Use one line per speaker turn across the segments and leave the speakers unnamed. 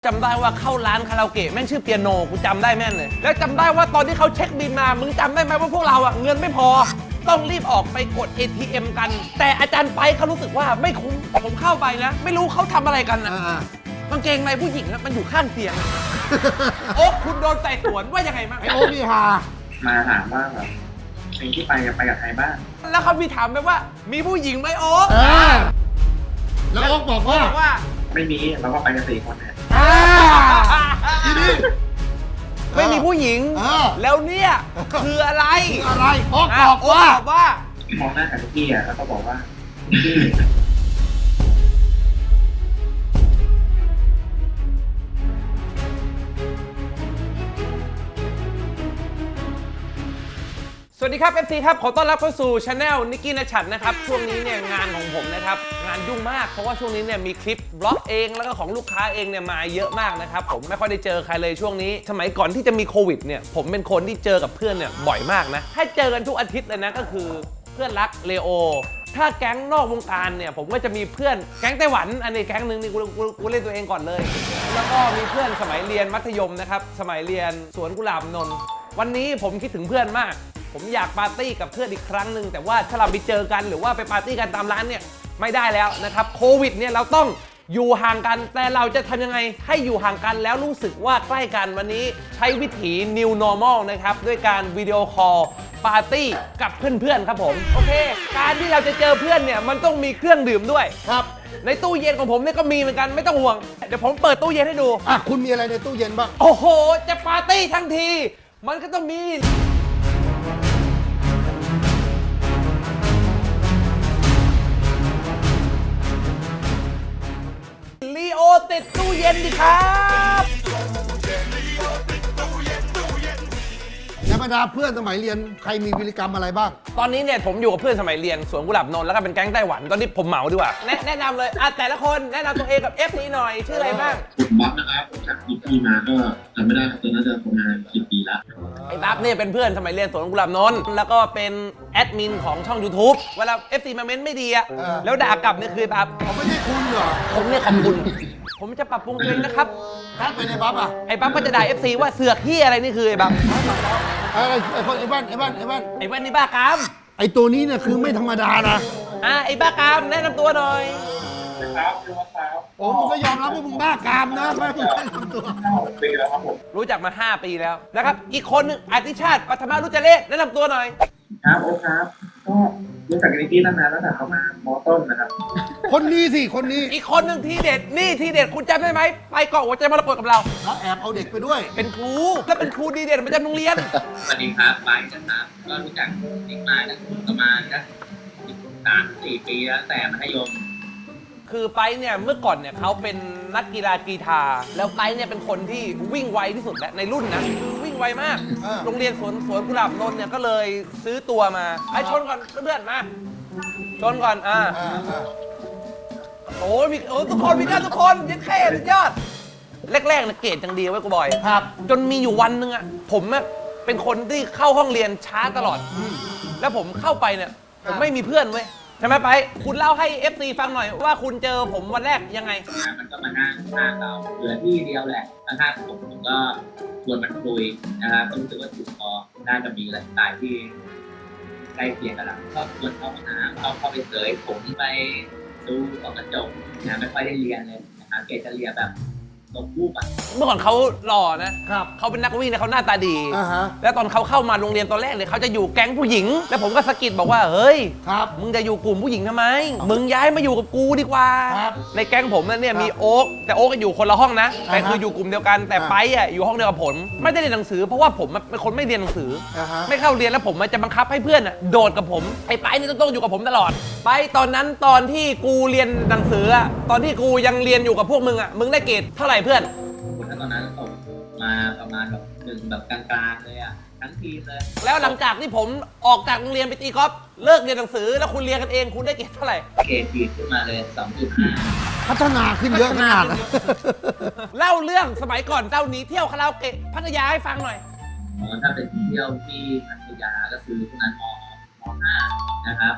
จำได้ว่าเข้าร้านคาราโอเกะแม่งชื่อเปียโนกูจำได้แม่นเลยแล้วจำได้ว่าตอนที่เขาเช็คบิลมามึงจำได้ไหมว่าพวกเราอะเงินไม่พอต้องรีบออกไปกด ATM กันแต่อาจารย์ไปเขารู้สึกว่าไม่คุ้มผมเข้าไปนะไม่รู้เขาทำอะไรกันนะกางเกงในผู้หญิงนะมันอยู่ข้างเตียง โอ๊คคุณโดนไต่สวนว่ายังไงบ้าง
ไอโอ๊คนี่ฮา
มาถามว่าแบบสิ่งที่ไปกับใครบ้าง
แล้วเขามีถามไปว่ามีผู้หญิงไหมโอ๊ค
แล้วโอ๊คบอกว่า
ไม่มีเราก็ไปกัน4 คนเนี่ย
ทีนี้
ไม่มีผู้หญิงแล้วเนี่ยคืออะไร
โอ๊คบอกว่าม
องหน้ากับพี่อ่ะแล้วก็บอกว่าพี่
สวัสดีครับ FC ครับขอต้อนรับเข้าสู่ Channel นิกกี้ณชัดนะครับช่วงนี้เนี่ยงานของผมนะครับงานยุ่งมากเพราะว่าช่วงนี้เนี่ยมีคลิปบล็อกเองแล้วก็ของลูกค้าเองเนี่ยมาเยอะมากนะครับผมไม่ค่อยได้เจอใครเลยช่วงนี้สมัยก่อนที่จะมีโควิดเนี่ยผมเป็นคนที่เจอกับเพื่อนเนี่ยบ่อยมากนะให้เจอกันทุกอาทิตย์เลยนะก็คือเพื่อนรักเลโอถ้าแก๊งนอกวงการเนี่ยผมก็จะมีเพื่อนแก๊งไต้หวันอันนี้แก๊งนึงนี่กูเล่นตัวเองก่อนเลยแล้วก็มีเพื่อนสมัยเรียนมัธยมนะครับสมัยเรียนสวนกุหลาบนนท์วันนี้ผมคิดถึงเพื่อนมากผมอยากปาร์ตี้กับเพื่อนอีกครั้งหนึ่งแต่ว่าถ้าเราไปเจอกันหรือว่าไปปาร์ตี้กันตามร้านเนี่ยไม่ได้แล้วนะครับโควิดเนี่ยเราต้องอยู่ห่างกันแต่เราจะทำยังไงให้อยู่ห่างกันแล้วรู้สึกว่าใกล้กันวันนี้ใช้วิถี New Normal นะครับด้วยการวิดีโอคอลปาร์ตี้กับเพื่อนๆครับผมโอเคการที่เราจะเจอเพื่อนเนี่ยมันต้องมีเครื่องดื่มด้วย
ครับ
ในตู้เย็นของผมเนี่ยก็มีเหมือนกันไม่ต้องห่วงเดี๋ยวผมเปิดตู้เย็นให้ดู
คุณมีอะไรในตู้เย็นบ้าง
โอ้โหจะปาร์ตี้ทั้งทีมันก็ต้องมีลีโอติดตู้เย็นดิครับ
ในบรรดาเพื่อนสมัยเรียนใครมีวิริกรรมอะไรบ้าง
ตอนนี้เนี่ยผมอยู่กับเพื่อนสมัยเรียนสวนกุหลาบนนท์แล้วก็เป็นแก๊งไต้หวันตอนนี้ผมเหมาดีกว่าแนะนำเลยแต่ละคนแนะนำตัวเองกับ FC หน่อยชื่ออะไรบ้าง
ผมบ๊อบนะครับผมจากอีพีมาก็จำไม่ได้ครับตอนนั้นจะประมาณ10 ปีแล้ว
ไอ้บ๊อบเนี่ยเป็นเพื่อนสมัยเรียนสวนกุหลาบนนท์แล้วก็เป็นแอดมินของช่อง YouTube เวลา FC มาเม้นไม่ดีอะแล้วด่ากลับเนี่ยคือบ๊อบ
ผมไม่ใช่คุณเหรอ
ผมเนี่ยขอบคุณผมจะปรับปรุงตัวเองนะครับ
ทักไปในบ๊อบ
ไอ้บ๊อบก็จะด่า FC ว่าเสือกที่อะไรนี่คือไอ้บ๊อบ
ไอ้แว่น
นี่บ้ากาม
ไอ้ตัวนี้เนี่ยคือไม่ธรรมดานะ
ไอ้บ้ากามแนะนำตัวหน่อย
ครับคือว่าครับ
โอ้มึงก็ยอมรับว่ามึงบ้ากามนะไม่มึงแนะนำตัว
ปีแล้วครับผม
รู้จักมา5 ปีแล้วนะครับอีกคนนึงอธิชาติปัทมารุจเลศแนะนำตัวหน่อย
ครับโอ้ครับก็รู้จักนิกกี้ตั้งนานแล้วแต่เขามามอต้นนะครับ
คนนี้สิคนนี้
อีกคนหนึ่งทีเด็ดนี่ทีเด็ดคุณจำได้ไหมไปเกาะหัวใจมรกตกับเรา
แล้วแอบเอาเด็กไปด้วย
เป็นครูแล้วเป็นครูดีเด่นประจำโรงเรียน
สวัสดีครับไปนะครับก็รู้จักนิกมาประมาณนะ3-4 ปีแล้วแต่มัธยม
คือไปเนี่ยเมื่อก่อนเนี่ยเขาเป็นนักกีฬากีฬาแล้วไปเนี่ยเป็นคนที่วิ่งไวที่สุดและในรุ่นนะวิ่งไวมากโรงเรียนสวนกุหลาบนนท์เนี่ยก็เลยซื้อตัวมาไอ้ชนก่อนเพื่อนมาชนก่อนโอ้มีทุกคนมีกันทุกคนยัดแค่สุดยอดแรกๆเนี่ยเกรดจังดีไว้กูบ่อย
ครับ
จนมีอยู่วันนึงอ่ะผมเป็นคนที่เข้าห้องเรียนช้าตลอดแล้วผมเข้าไปเนี่ยผมไม่มีเพื่อนเว้ยใช่ไหมไปคุณเล่าให้ FC ฟังหน่อยว่าคุณเจอผมวันแรกยังไง
มันก็มานั่งข้างเราเหลือที่เดียวแหละข้างๆผมก็ชวนมันคุยนะครับรู้สึกว่าถูกคอน่าจะมีไลฟ์สไตล์ที่ใกล้เคียงกันแล้วก็ชวนเข้ามาหาเข้าไปเสยผมไปดูส่องกระจกนะไม่ค่อยได้เรียนเลยนะครับเกรดจะเรียนแบบตกรูปอ่ะ
เมื่อก่อนเขาหล่อนะครับเขาเป็นนักวิ่งเนี่ยเขาหน้าตาดีแล้วตอนเขาเข้ามาโรงเรียนตอนแรกเนี่ยเขาจะอยู่แก๊งผู้หญิงแล้วผมก็สะกิดบอกว่าเฮ้ยมึงจะอยู่กลุ่มผู้หญิงทำไมมึงย้ายมาอยู่กับกูดีกว่าในแก๊งผมเนี่ยมีโอ๊คแต่โอ๊คก็อยู่คนละห้องนะแต่คืออยู่กลุ่มเดียวกันแต่ไปอ่ะอยู่ห้องเดียวกับผมไม่ได้เรียนหนังสือเพราะว่าผมเป็นคนไม่เรียนหนังสือไม่เข้าเรียนแล้วผมจะบังคับให้เพื่อนโดดกับผมไอ้ไปนี่ต้องอยู่กับผมตลอดไปตอนนั้นตอนที่กูเรียนหนังสือตอนที่กูยังเรียนอยู่กับพวกมึงมึงได้เกรดเท่าไหร่เพื่อน
ตอนนั้นตกมาประมาณแบบ1แบบกลางๆเลยทั้งทีมเลย
แล้วหลังจากที่ผมออกจากโรงเรียนไปตีกอล์ฟเลิกเรียนหนังสือแล้วคุณเรียนกันเองคุณได้เกรดเท่าไหร่
เกรดดีขึ้นมาเลย 2.5
พัฒนาขึ้นเยอะขนาดนั้น
เล่าเรื่องสมัยก่อนเจ้าหนีเที่ยวคาราโอเกะพัทยาให้ฟังหน่อย
ถ้าเป็นเที่ยวที่พัทยาก็คือช่วงนั้นม.5 นะครับม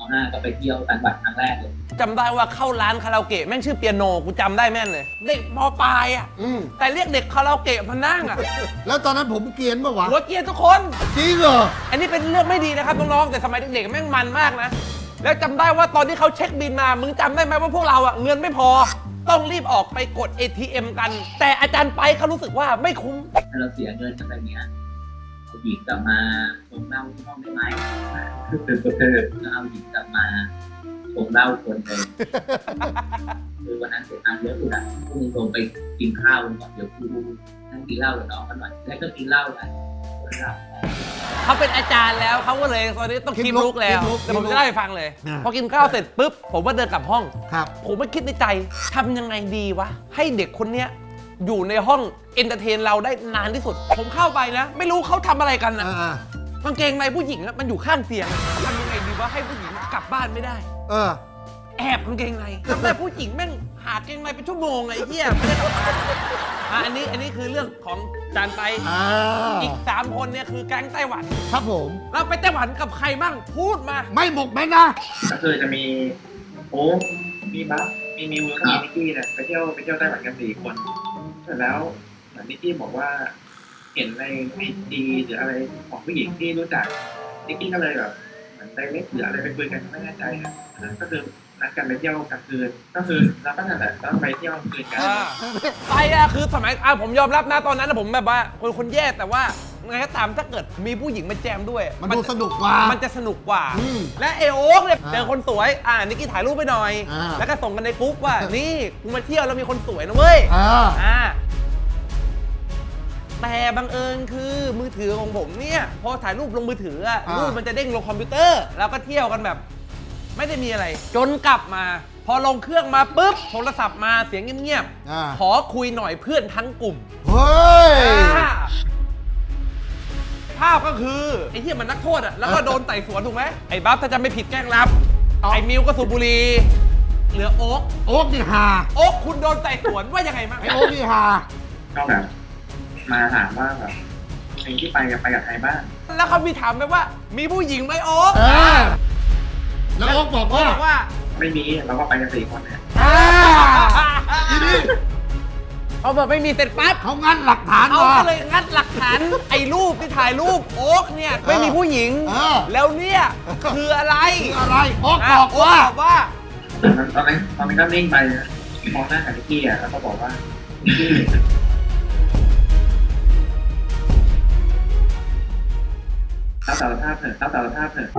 5ก็ไปเที่ยวต่างจังหวัดครั้งแรกเลย
จำได้ว่าเข้าร้านคาราโอเกะแม่งชื่อเปียโนกูจำได้แม่นเลย เด็กมปลายอ่ะ แต่เรียกเด็กคาราโอเกะมานั่งอ่ะ
แล้วตอนนั้นผมเกรียนปะวะ
หัวเกรียนทุกคน
จริงเหรอ
อันนี้เป็นเรื่องไม่ดีนะครับน้องๆแต่สมัยเด็กๆแม่งมันมากนะ แล้วจำได้ว่าตอนที่เขาเช็คบินมามึงจำได้ไหมว่าพวกเราอ่ะเงินไม่พอ ต้องรีบออกไปกด ATM กัน แต่อาจารย์ไปเขารู้สึกว่าไม่คุ้ม
ถ้าเราเสียเงินกันแบบเนี้ยเอาหญิงกลับมาชงเหล้าที่ห้องได้ไหมแล้วเอาหญิงกลับมาชงเหล้าคนเลยคือวันนั้นเสียตังค์เยอะสุดอ่ะพวกมึงลงไปกินข้าวกันก่อนเดี๋ยวกูนั่งกินเหล้ากับน้องกันหน่อยแล้วก็กินเหล้ากันคนละ
เขาเป็นอาจารย์แล้วเขาก็เลยตอนนี้ต้องคีบลุกแล้วแต่ผมจะเล่าให้ฟังเลย พอกินข้าวเสร็จปุ๊บผมก็เดินกลับห้อง
ครับ
ผมก็คิดในใจทำยังไงดีวะ ให้เด็กคนเนี้ยอยู่ในห้องเอนเตอร์เทนเราได้นานที่สุด ผมเข้าไปนะ ไม่รู้เขาทำอะไรกันนะ
อ่าก
างเกงในผู้หญิงอะมันอยู่ข้างเตียงทำยังไงดีวะให้ผู้หญิงกลับบ้านไม่ได้
เออ
แอบกางเกงในทำได้ผู้หญิงแม่งหากางเกงในเป็นชั่วโมงไอ้เหี้ยไม่ได้กลับบ้านอันนี้คือเรื่องของจานไป อีก 3 คนเนี่ยคือแก๊งไต้หวัน
ครับผม
เราไปไต้หวันกับใครบ้างพูดมา
ไม่หมกแม่นะ
ก็คือจะมีโอ้มีบัฟมีมิวแล้วก็มีนิกกี้เนี่ยไปเที่ยวไต้หวันกัน4 คนเสร็จแล้วเหมือนนิกกี้บอกว่า เห็นในไอจีหรืออะไรของผู้หญิงที่รู้จักนิกกี้ก็เลยแบบเหมือนไดเรกหรืออะไรไปคุยกันไม่แน่ใจนะก็คือนัดกันไปเที่ยวกลางคืนก็คือเราก็นั่นแหละต้องไปเที่ยวกลางคืนกัน
ไปอะคือสมัยผมยอมรับนะตอนนั้นนะผมแบบว่าคนแย่แต่ว่าไงก็ตามถ้าเกิดมีผู้หญิงมาแจมด้วย
มันดูสนุกกว่า
มันจะสนุกกว่า
อืม
และเอโอ๊กเนี่ย
อ่า
เจอคนสวยนิกกี้ถ่ายรูปไปหน่อย
อ่า
แล้วก็ส่งกันในกรุ๊ปว่า นี่กูมาเที่ยวแล้วมีคนสวยนะเว้ย
อ่า
แต่บังเอิญคือมือถือของผมเนี่ยพอถ่ายรูปลงมือถืออะ
อ่ารู
รูปมันจะเด้งลงคอมพิวเตอร์แล้วก็เที่ยวกันแบบ ไม่ได้มีอะไร จนกลับมา พอลงเครื่องมาปุ๊บโทรศัพท์มาเสียงเงียบ
อ่า
ขอคุยหน่อยเพื่อนทั้งกลุ่ม
เฮ้ย
ภาพก็คือไอ้ที่มันนักโทษอะแล้วก็โดนไต่สวนถูกไหมไอ้บัฟถ้าจะไม่ผิดแกล้งรับ
อ๋อ
ไอ้มิวก็สูบบุหรี่เหลือโอ๊ก
โอ๊กนี่ฮา
โอ๊กคุณโดนไต่สวนว่ายังไงบ้าง
ไอโอ๊กนี่ฮา
ก็แบบมาถามว่าแบบเพลงที่ไปกับใครบ้าง
แล้วเขามีถามไปว่า มีผู้หญิงไหมโอ๊ก
แล้วโอ๊กบอก
เขา
ว่า
บอกว่า
ไม่มีเราก็ไปกัน4 คนเนี่ย
ทีนี้
เขาบอกไม่มีเสร็จปั๊บ
เขางัดหลักฐาน
เขา
มา
ก็เลยงัดหลักฐาน ไอ้รูปที่ถ่ายรูปโอ๊กเนี่ยไม่มีผู้หญิง แล้วเนี่ยคืออะไร
คืออะไรโอ๊ก
ะ
บอกว่า
โอ๊กบอกว่า
ตอนนั้นก็นิ่งไปมองหน้ากับนิกกี้อ่ะแล้วก็บอกว่านิกกี้รับสารภาพเถอะรับสารภาพเถอะ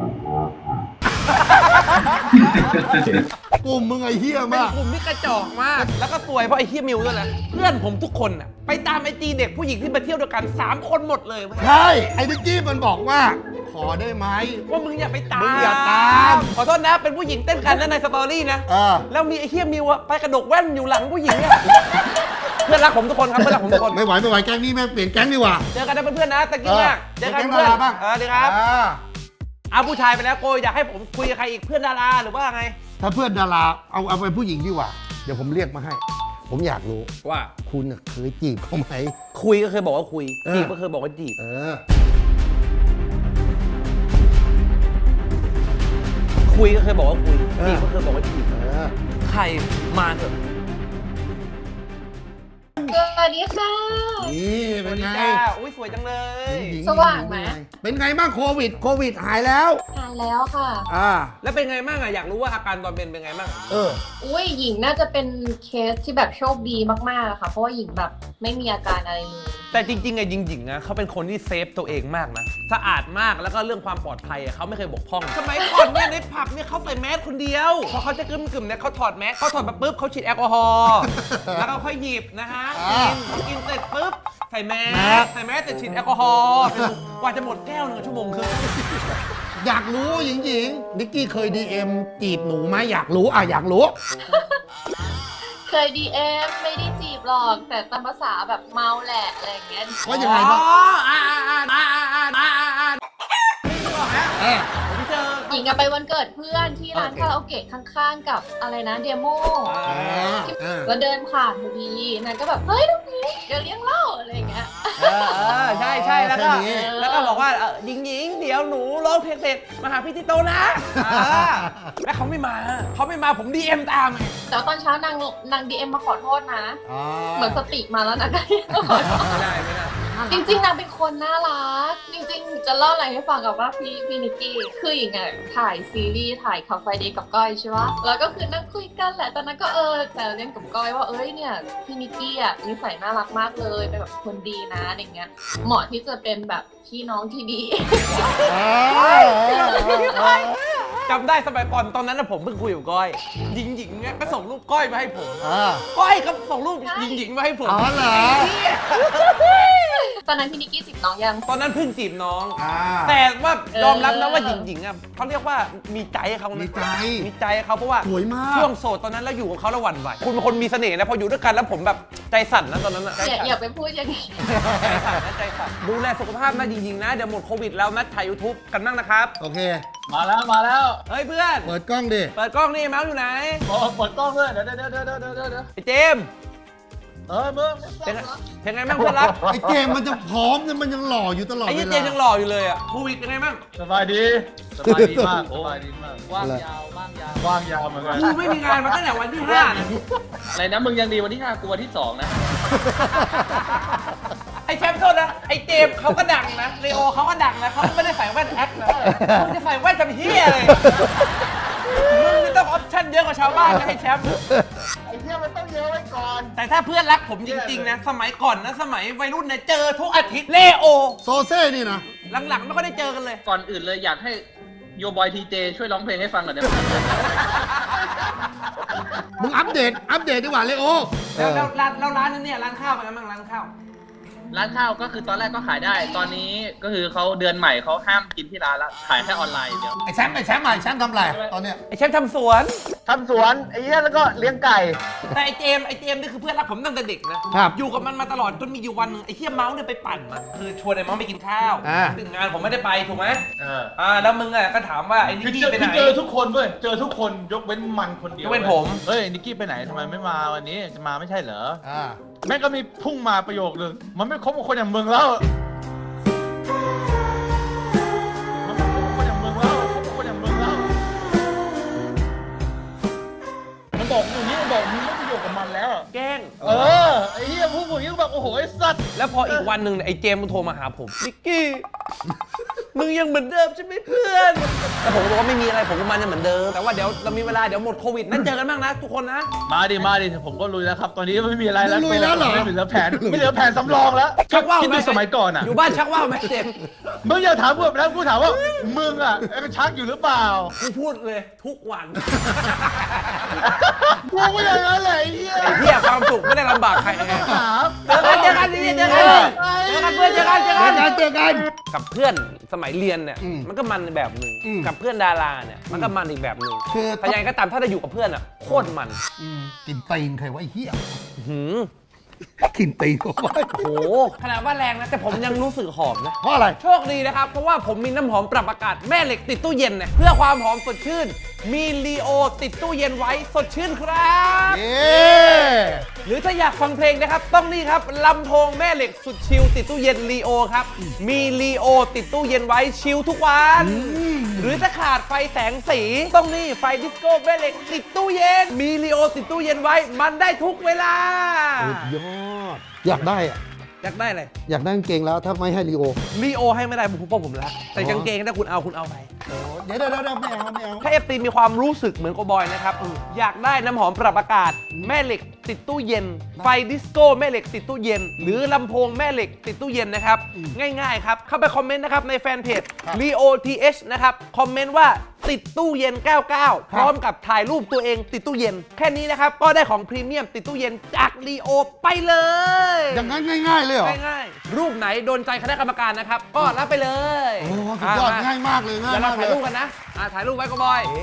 กลุ่มมึงไอ้เหี้ย
เป็น
มาก
กลุ่มที่กระจอกมาก แล้วก็สวยเพราะไอ้เฮียมิวด้วยนะเพื่อนผมทุกคนน่ะไปตามไอจีเด็กผู้หญิงที่มาเที่ยวด้วยกัน 3 คนหมดเลยเว้ย
ใช่ ไอ้นิกกี้มันบอกว่า ขอได้ไหม
ว่ามึงอย่าไปตาม
มึงอย่าตาม
ขอโทษนะเป็นผู้หญิงเต้นกันนะในสตอรี่นะ แล้วมีไอ้เฮียมิวอะไปกระดกแว่นอยู่หลังผู้หญิงอะเพื่อนรักผมทุกคนครับเพื่อนรักผมทุกคน
ไม่ไหวแก๊งนี้แม่งเปลี่ยนแก๊งดีกว่า
เจอกันนะเพื่อนๆนะตะกี้มากเจอกัน
แก๊ง
เพื่อน
ดาราบ้าง
ดีครับเอาผู้ชายไปแล้วโกอยากให้ผมคุยกับใครอีกเพื่อนดาราหรือว่าไง
ถ้าเพื่อนดาราเอาเป็นผู้หญิงดีกว่า เดี๋ยวผมเรียกมาให้ ผมอยากรู้
ว่า
คุณน่ะเคยจีบเขาไหม
คุยก็เคยบอกว่าคุย
เออ
จีบก็เคยบอกว่าจีบ คุยก็เคยบอกว่าคุยจีบก็เคยบอกว่าจีบใครมาเถอะ
สวัสดีค่ะ
นี่
ส
เป็
วัน สดี
ไง
จ้าอุ้ยสวยจังเลย
หญิง
สว่างไหม
เป็นไงบ้างโควิดหายแล้ว
ทานแล้วค่ะ
แล้วเป็นไงบ้างอะอยากรู้ว่าอาการตอนเป็นไงบ้าง
อุ้ยหญิงน่าจะเป็นเคสที่แบบโชคดีมากๆอะค่ะ เพราะว่าหญิงแบบไม่มีอาการอะไรเลย
แต่จริงๆอะหญิงๆนะเขาเป็นคนที่เซฟตัวเองมากนะสะอาดมากแล้วก็เรื่องความปลอดภัยอะเขาไม่เคยบกพร่องสมัยก่อนเนี่ยในผับเนี่ยเขาใส่แมสคนเดียวพอเขาจะกึ่มๆเนี่ยเขาถอดแมสเขาถอดมาปุ๊บเขาฉีดแอลกอฮอล์แล้วก็ค่อยหยิบนะฮะกินเสร็จปุ๊บใส่แมสเสร็จฉีดแอลกอฮอล์กว่าจะหมดแก้ว1 ชั่วโมงครึ่ง
อยากรู้หญิงนิกกี้เคย DM จีบหนูไหมอยากรู้อยากรู้
เคย DM ไม่ได้จีบหรอก แต่ตามภาษาแบบเมาแหละอะไรอย่างเงี้ย
ว่ายังไงบ้าง
ผมเจอ
หญิงอะไปวันเกิดเพื่อนที่ร้านคาราโอเกะข้างๆกับอะไรนะเดโมแล้วเดินผ่านพอดีนางก็แบบเฮ้ยตรงนี้เดี๋ยวเลี้ยงเหล้าอะไรอย่างเงี้ย
ใช่แล้วก็
แค่นี้
แล้วก็บอกว่าหญิงเดี๋ยวหนูร้องเพลงเสร็จมาหาพี่ที่โตะนะแล้วเขาไม่มาผมDM ตามไง
แต่ว่าตอนเช้านางดีเอ็มมาขอโทษนะ
อ๋อ
เหมือนสติมาแล้วนะ
ไม่ได้
จริงๆนางเป็นคนน่ารัก จริงๆ จะเล่าอะไรให้ฟังกับว่าพี่นิกกี้คืออย่างไงถ่ายซีรีส์ถ่ายคาเฟ่เดย์กับก้อยใช่ปะแล้วก็คือนั่งคุยกันแหละตอนนั้นก็แซวเล่นกับก้อยว่าเนี่ยพี่นิกกี้อ่ะนิสัยน่ารักมากเลยเป็นแบบคนดีนะอะไรเงี้ยเหมาะที่จะเป็นแบบพี่น้องที่ดี
จำได้สมัยก่อนตอนนั้นผมเพิ่งคุยกับก้อยหญิงเนี่ยก็ส่งรูปก้อยมาให้ผม
อ่า
ก้อยก็ส่งรูปหญิงมาให้ผม
อ๋อเหรอ
ตอนนั้นพี่นิกกี้จีบน้องยัง
ตอนนั้นเพิ่งจีบน้อง
อ่า
แต่ว่ายอมรับนะว่าหญิงอ่ะเขาเรียกว่ามีใจให้เขานะ
มีใจ
มีใจให้เขาเพราะว่า
สวยมาก
ช่วงโสดตอนนั้นแล้วอยู่กับเขาแล้วหวั่นไหวคุณเป็นคนมีเสน่ห์นะพออยู่ด้วยกันแล้วผมแบบใจสั่นนะตอนนั้นอะใจ
อย่า
สั่น
ไปพูดอย่างนี้
ใจสั่นนะใจสั่นดูแลสุขภาพนะจริงๆนะเดี๋ยวหมดโควิดแล้วนัดถ่าย YouTube กันบ้างนะครับ
โอเค
มาแล้ว
เฮ้ยเพื่อน
เปิดกล้องดิ
เปิดกล้องนี่เมาส์อยู่ไหน
เปิดกล้องด้วยเดี๋ยว
ไอ้เจมส์
มึง
เป็นไงบ้างเพื่อนรัก
ไอ้เจมส์มันจะพร้อมเนี่ยมันยังหล่ออยู่ตลอด
ไอ้
เว
ยี่
ลา
เจมส์ยังหล่ออยู่เลยอ่ะโควิดเป็นไงบ้าง
สบายดีมากว่างยาวเหมือนกัน
กูไม่มีงานมาตั้งแต่วันที่5นะ
อะไรนะมึงยังดีวันที่ 5 กูวันที่ 2 นะ
ไอ้แชมป์โทษนะไอ้เจมส์เขาก็ดังนะเลโอเขาก็ดังนะเขาก็ไม่ได้ใส่แว่นแอคนะมึงจะใส่แว่นจำเฮียเลยมึงไม่ต้องออปชั่นเยอะกว่าชาวบ้านนะไอ้แชมป์
ไอ้เหี้ยมันต้องเยอะไว้ก่อน
แต่ถ้าเพื่อนรักผมจริงๆนะสมัยก่อนนะสมัยวัยรุ่นเนี่ยเจอทุกอาทิตย์เลโอ
โซเซ่นี่นะ
หลังๆไม่ค่อยได้เจอกันเลย
ก่อนอื่นเลยอยากให้โยบอยทีเจช่วยร้องเพลงให้ฟังหน่อยได้ไหม
มึงอัปเดตดีกว่าเลยโอ
แล้วร้านนั้นเนี่ยร้านข้าวเป็นไงบ้างร้านข้าว
ร้านข้าวก็คือตอนแรกก็ขายได้ ตอนนี้ก็คือเขาเดือนใหม่เขาห้ามกินที่ร้านแล้วขายแค่ออนไลน์อย่างเดียว
ไอ้แชมป์ทำอะไรตอนเนี้ย
ไอ้แชมป์ทำสวน
ทำสวนไอ้เหี้ยแล้วก็เลี้ยงไก่
แต่ไอ้เจมส์นี่คือเพื่อนรักผมตั้งแต่เด็กนะครับ อยู่กับมันมาตลอดจนมีอยู่วันหนึงไอ้เฮียเมาส์เนี่ยไปปั่นมันคือชวนไอ้เมาส์ไปกินข้าว
อ่า
ถึงงานผมไม่ได้ไปถูกไหมแล้วมึงอ่ะก็ถามว่าไอ้นิกกี้ไปไหน
เจอทุกคนด้วยเจอทุกคนยกเว้นมันคนเดียวย
กเว้นผม
เฮ้ยนิกกี้ไปไหนทำไมไม่มาวันนี้จะมาไม่ใช่เหรอ
อ่า
แม่งก็มีพุ่งมาประโยคนึงมันไม่คบกับคนอย่างมึงแล้วมันไม่คบกับคนอย่างมึงแล้วคบกับคนอย่างมึงแล้วมันบอกอย่างนี้มันบอกมึงไม่ประโยชน์กับมันแล้ว
แกล้ง
ไอ้เหี้ยพูดอย่างนี้แบบโอ้โหไอ้สัตว์
แล้วพออีกวันหนึ่งเนี่ยไอ้เจมส์มันโทรมาหาผมนิกกี้ มึงยังเหมือนเดิมใช่ไหมเพื่อนแต่ผมก็บอกว่าไม่มีอะไรผมกับมันยังเหมือนเดิมแต่ว่าเดี๋ยวเรามีเวลาเดี๋ยวหมดโควิดนั่นเจอกันบ้างนะทุกคนนะ
มาดิผมก็ลุยแล้วครับตอนนี้ไม่มีอะไรแล้ว
ลุยแล้วเหรอ
ไม่เหลือแผนสำรองแล้ว
ชักว่าว
คิด
ไหม
ดูสมัยก่อนอ่ะ
อยู่บ้านชักว่าวไหมเจมส์
มึงอย่าถามกูแบบนั้นกูถามว่ามึงอ่ะชักอยู่หรือเปล่า
กูพูดเลยทุกวัน
กูก็อย่างนั้นแหละไอ้เหี้ย
ไอ้เหี้ยความสุขไม่ได้ลำบากใครไง
ถาม
เจอกันเจอกันเพื่อนเจอกัน
เจอกัน
กับเพื่อนสมัยเรียนเนี่ย
อืม
มันก็มันแบบหนึ่ง
อืม
กับเพื่อนดาราเนี่ยมันก็มันอีกแบบหนึ่ง
คือ
แต่ยังไงก็ตามถ้าได้อยู่กับเพื่อนอ่ะโคตรมัน
กินตีนใครวะไอ้เหี้ย
หืม
กินตีนเขาไว้
โหขนาดว่าแรงนะแต่ผมยังรู้สึกหอมนะ
เพราะอะไร
โชคดีนะครับ เพราะว่าผมมีน้ำหอมปรับอากาศแม่เหล็กติดตู้เย็นเนี่ยเพื่อความหอมสดชื่น มีลีโอติดตู้เย็นไว้สดชื่นครับ
เย้
หรือถ้าอยากฟังเพลงนะครับ ต้องนี่ครับลำโพงแม่เหล็กสุดชิลติดตู้เย็นลีโอครับ มีลีโอติดตู้เย็นไว้ชิลทุกวัน หรือถ้าขาดไฟแสงสี ต้องนี่ไฟดิสโก้แม่เหล็กติดตู้เย็น มีลีโอติดตู้เย็นไว้มันได้ทุกเวลา
สุดยอด อยากได้อะ
อยากได้อะไร
อยากได้กางเกงแล้วถ้าไม่ให้ลีโอ
ลีโอให้ไม่ได้ผมเพราะผมรักแต่กางเกงถ้าคุณเอาไป
เดี๋ยวไม่เอา
ถ้าเอฟซีมีความรู้สึกเหมือนโกบอยนะครับอยากได้น้ำหอมปรับอากาศ แม่เหล็กติดตู้เย็น ไฟดิสโก้แม่เหล็กติดตู้เย็น หรือลำโพงแม่เหล็กติดตู้เย็นนะครับ ง่ายๆครับ เข้าไปคอมเมนต์นะครับในแฟนเพจ LeoTH นะครับ คอมเมนต์ว่าติดตู้เย็น 99 พร้อมกับถ่ายรูปตัวเองติดตู้เย็น แค่นี้นะครับ ก็ได้ของพรีเมียมติดตู้เย็นจาก Leo ไปเลย
อย่างนั้นง่ายๆเลยเหรอ
ง่ายๆรูปไหนโดนใจคณะกรรมการนะครับ ก็รับไปเลย
โอ้สุดยอดง่ายมากเลยง่าย
เดี๋ยวเรา
มากเล
ถ่าย
ย
รูปกันนะถ่ายรูปไว้ก็บอย
เอ๊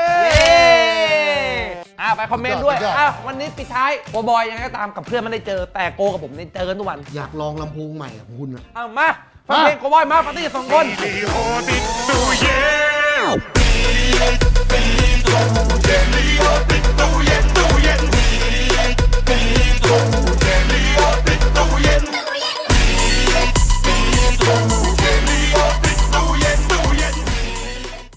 ไปคอมเมนต์ด้วย
สุดยอด
วันนี้ปิดท้ายโกบอยยังไงก็ตามกับเพื่อนไม่ได้เจอ แต่โกกับผมเนี่ยเจอกันทุกวัน
อยากลองลำโพงใหม่ของคุณอะ
มาฟังเพลงโกบอยมาปาร์ตี้2 คน
Leotic, oh yeah.